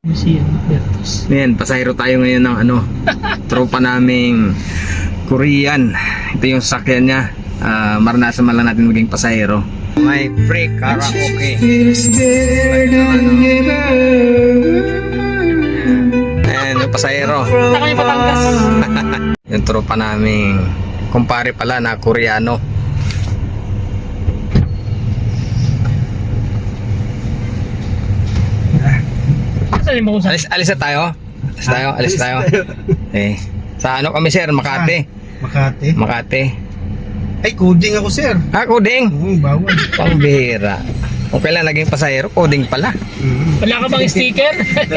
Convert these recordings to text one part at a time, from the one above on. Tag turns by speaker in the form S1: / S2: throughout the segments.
S1: Lucian Bertos.
S2: Ayan, pasahero tayo ngayon ng ano, tropa naming Korean. Ito yung sasakyan niya. Maranasan man lang natin maging pasahero. May free karaoke. Ayan, yung pasahero.
S1: Punta kami Batangas.
S2: Yung tropa naming kumpare pala na Koreano.
S1: Saan mo kung saan?
S2: Alis na tayo? Alis tayo. Eh, sa ano kami sir? Makati. Makati.
S3: Ay, coding ako, sir.
S2: Coding.
S3: Oo, bawal.
S2: Pangbihira. Kung kailan naging pasahero, coding pala.
S1: Wala ka bang sticker?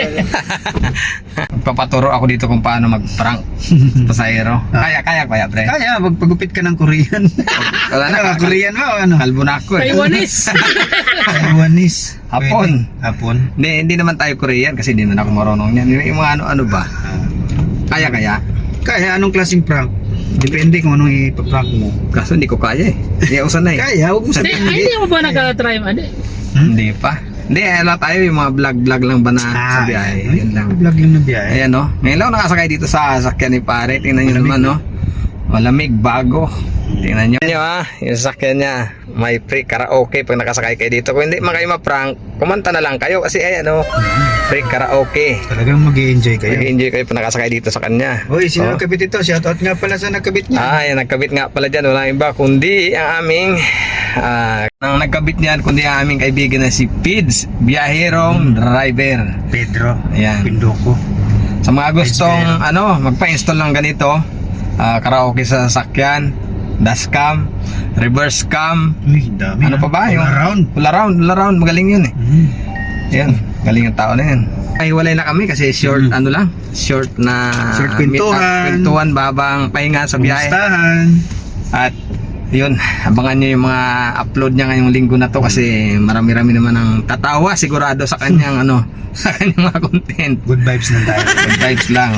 S2: Papaturo ako dito kung paano mag-prank pasahero. Kaya, pre.
S3: Kaya, magpagupit ka ng Korean.
S2: Wala na,
S3: Korean ba o ano?
S2: kalbo na ako eh.
S1: Taiwanese.
S3: Taiwanese.
S2: Hapon.
S3: Pwede. Hapon.
S2: Hindi naman tayo Korean kasi hindi naman ako marunong yan. Yung mga ano ba? Kaya.
S3: Kaya, anong klaseng prank? Depende kung anong ipaprank mo.
S2: Kaso hindi ko kaya eh. Hindi ako sanay.
S3: Kaya, huwag mo
S1: Hindi,
S3: sabihin.
S1: hindi mo ba nagka-try mo? Hindi.
S2: Hindi pa. Hindi, ala tayo yung mga vlog lang ba na sa biyahe. Yun lang.
S3: Vlog lang na biyahe.
S2: Ayan no. Ngayon lang ako nakasakay dito sa sasakyan ni pare. Tingnan nyo naman no. Malamig, bago. Tingnan nyo. Yung sasakyan niya. May free karaoke pag nakasakay kayo dito. Kung hindi man kayo ma-prank, kumanta na lang kayo. Kasi ayan no. Free karaoke.
S3: Talagang mag-i-enjoy kayo.
S2: Mag-enjoy kayo pag nakasakay dito sa kanya.
S3: Hoy, sino nagkabit ito? Shoutout nga pala sa nagkabit niya.
S2: Yan, nagkabit nga pala dyan. Walang iba kundi ang aming ang nagkabit niyan kundi ang aming kaibigan na si Pids, biyaherong driver.
S3: Pedro.
S2: Ayan.
S3: Pindoko.
S2: Sa mga gustong magpa-install ng ganito, karaoke sa sasakyan, dashcam, reverse cam,
S3: Uy, dami.
S2: ano pa ba?
S3: All around.
S2: All around, magaling yun eh. Yan, galing yung tao na yan. Ay, walay na kami kasi short, short na
S3: Short kwentuhan.
S2: kwentuhan, babang pahinga sa biyahe.
S3: Kumustahan?
S2: At yun, abangan nyo yung mga upload niya ngayong linggo na to kasi marami-rami naman ang tatawa sigurado sa kanyang sa kanyang mga content.
S3: Good vibes na tayo.
S2: Good vibes lang,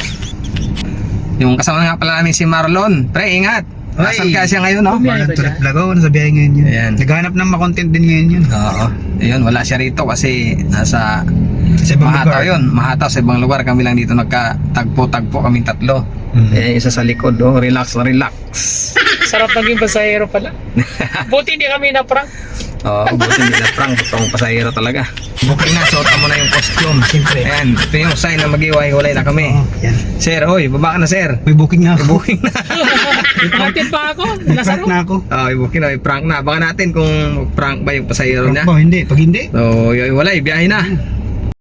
S2: Yung kasama nga pala namin si Marlon. Pre, ingat. Nasaan ka siya ngayon, no?
S1: Biyahe ba
S3: Walang tulad
S1: siya?
S3: vlog ako. Nasa biyahe ngayon yun.
S2: Ayan.
S3: Naghahanap ng makontent din ngayon yun.
S2: Oo. Ayun, wala siya rito kasi nasa
S3: Sa ibang
S2: Mahataw
S3: lugar.
S2: yun. Mahataw sa ibang lugar. Kami lang dito nagkatagpo-tagpo kaming tatlo. Eh, isa sa likod, relax.
S1: Sarap naging pasahero pala. Buti hindi kami na-prank.
S2: Oo, buti hindi na prank. Totoong pasahero talaga. Booking na, suotan mo na yung costume.
S3: Siyempre.
S2: Ayan, ito yung sign na mag-iwalay na kami.
S3: Yan.
S2: Sir, hoy, baba ka na sir.
S3: May booking na ako.
S2: Booking na.
S1: Hatid pa ako.
S3: May
S1: Nasa
S3: prank na ako.
S2: Booking na, prank na. Baka natin kung prank ba yung pasahero
S3: Prank
S2: niya.
S3: ba? Hindi. Pag hindi,
S2: So, iwalay, biyahe na.